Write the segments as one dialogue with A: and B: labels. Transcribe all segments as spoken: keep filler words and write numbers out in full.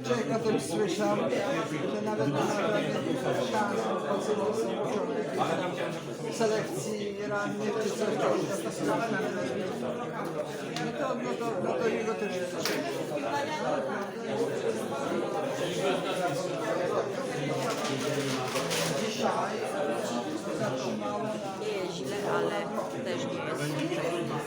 A: Człowiek o tym słyszał, że nawet na szans selekcji rannych czy coś, to jest katastrofa. No to, no to, no to jego też jest. Dzisiaj
B: nie jest źle, ale też nie jest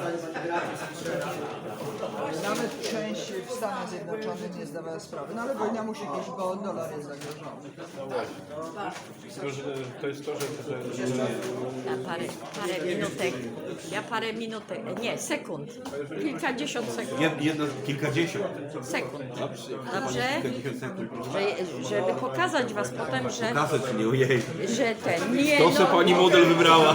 A: nawet część w Stanach Zjednoczonych nie zdawała sprawy. No ale wojna musi być, bo dolar jest zagrożony.
C: Tylko, że to jest to, że... że, że
B: ja parę, parę minutek, ja parę minutek, nie, sekund, kilkadziesiąt sekund,
D: Jed, jedno, kilkadziesiąt.
B: sekund,
D: Dobrze.
B: dobrze?
D: Kilkadziesiąt sekund.
B: Że, żeby pokazać was potem, że,
D: Kasę czy nie, ojej.
B: że ten, nie
D: To se
B: no,
D: pani model wybrała.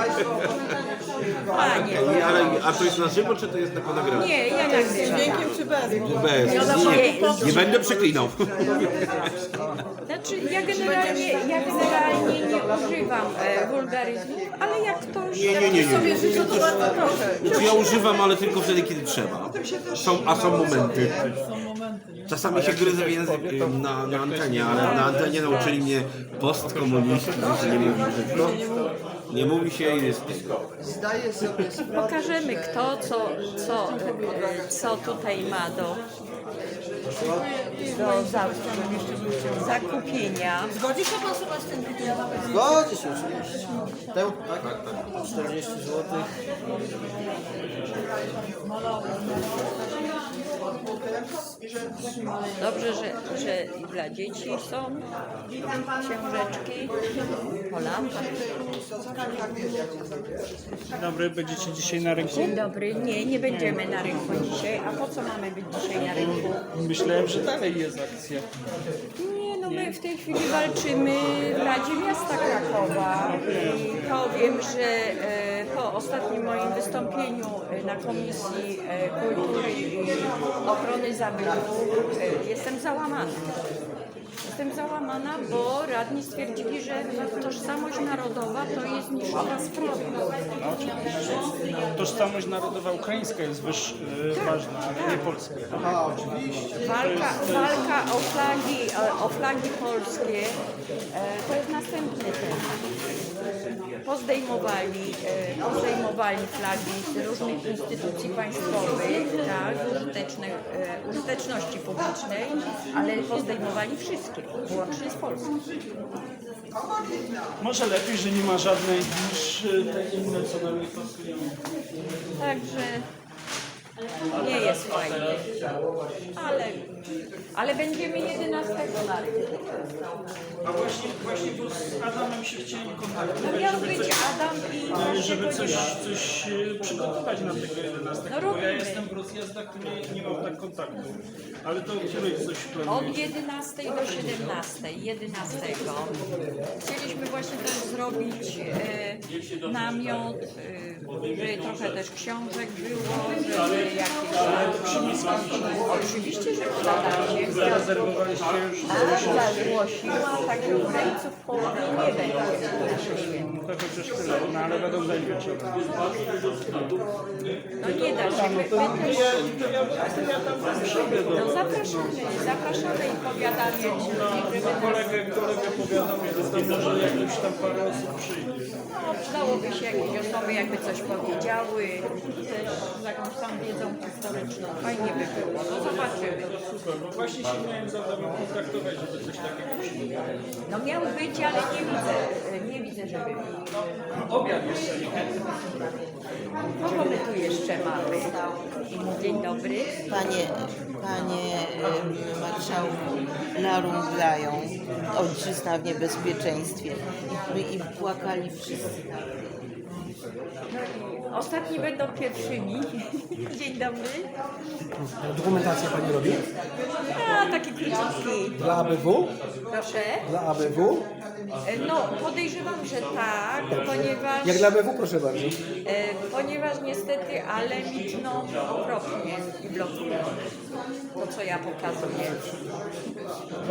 B: panie,
D: Nie, ale, a to jest na żywo, czy to jest na nagrane?
B: nie, ja jak
E: Dźwiękiem czy bez?
D: Bez. Nie, nie będę przeklinał.
B: Znaczy ja generalnie, ja generalnie nie używam e, wulgaryzmów, ale jak ktoś...
D: Nie, nie, nie, nie.
E: Sobie życzę, to bardzo proszę.
D: Znaczy ja używam, ale tylko wtedy, kiedy trzeba. Są, a są momenty. Czasami się gryzę w język y, na, na antenie, ale na antenie nauczyli mnie postkomuniści, że nie mówi brzydko. Nie mówi się i jest...
A: Zdaję sobie sprawę,
B: Pokażemy kto, co, co, e, co tutaj ma do, do za, zakupienia.
E: Zgodzi się pan Sebastian?
F: Zgodzi się oczywiście. Tę? Tak, tak. czterdzieści złotych.
B: Dobrze, że, że i dla dzieci są książeczki po latach.
C: Dzień dobry, będziecie dzisiaj na rynku?
B: Dzień dobry, nie, nie będziemy na rynku dzisiaj. A po co mamy być dzisiaj na rynku?
C: Myślałem, że dalej jest akcja.
B: Nie, no my w tej chwili walczymy w Radzie Miasta Krakowa i powiem, że e, po ostatnim moim wystąpieniu e, na Komisji e, Kultury i Ochrony Zabytków e, jestem załamana. Jestem załamana, bo radni stwierdzili, że tożsamość narodowa to jest niszowa sprawa.
C: No, oczywiście. Tożsamość narodowa ukraińska jest wyż, y, ważna, ale nie polska.
B: Walka, walka o flagi, o, o flagi polskie e, to jest następny temat. Pozdejmowali, e, pozdejmowali flagi z różnych instytucji państwowych, tak, użyteczne, e, użyteczności publicznej, ale pozdejmowali wszystkie, łącznie z Polską.
C: Może lepiej, że nie ma żadnej niż y, te inne, co nam nie pasują.
B: Także nie jest fajnie, ale, ale będziemy jedenastego na rynku.
C: A właśnie, właśnie bo z Adamem się chcieli kontaktować,
B: No miał
C: żeby
B: być
C: coś,
B: Adam i
C: y,
B: właśnie
C: żeby
B: go
C: coś,
B: nie ma.
C: coś y, przygotować na tego jedenastego,
B: No
C: bo ja
B: robimy.
C: jestem w rozjazdach, to nie, nie mam tak kontaktu. Ale to której coś
B: Od
C: planujecie?
B: jedenastej do siedemnastej, jedenastego. Chcieliśmy właśnie też zrobić e, namiot, e, żeby trochę też książek było, żeby jakieś... Oczywiście, że podadacie.
C: Zarezerwowaliście już?
B: A zagłosiła, także Ukraińców w połowie nie będzie w naszej świecie.
C: To chociaż tyle, no ale będą zajęcia.
B: No nie da się, my, my też... No zapraszamy, zapraszamy i powiadamy, żeby nas...
C: Kolegę, kolegę powiadał mi, że tam może jakieś tam parę osób przyjdzie.
B: No, przydałoby się jakieś osoby, jakby coś powiedziały, też z jakąś tam wiedzą historyczną. Fajnie by było. No zobaczymy.
C: Super, bo właśnie się miałem za wami kontaktować, żeby coś takiego przyjdzie.
B: No miał być, ale nie widzę. Nie widzę, żeby...
C: Obiad jeszcze nie.
B: Kogo my tu jeszcze mamy? Dzień dobry.
E: Panie, panie em, marszałku, narąblają ojczyzna w niebezpieczeństwie i, i płakali wszyscy.
B: Ostatni będą pierwszymi. Dzień dobry.
F: Dokumentację pani robi?
B: A, taki króciutki.
F: Dla A B W?
B: Proszę.
F: Dla A B W?
B: No, podejrzewam, że tak, ponieważ...
F: Jak dla A B W, proszę bardzo.
B: E, ponieważ niestety, ale milczą okropnie i blokują to, co ja pokazuję. No.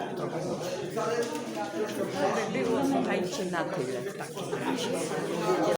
B: To by było, słuchajcie, na tyle w takim razie.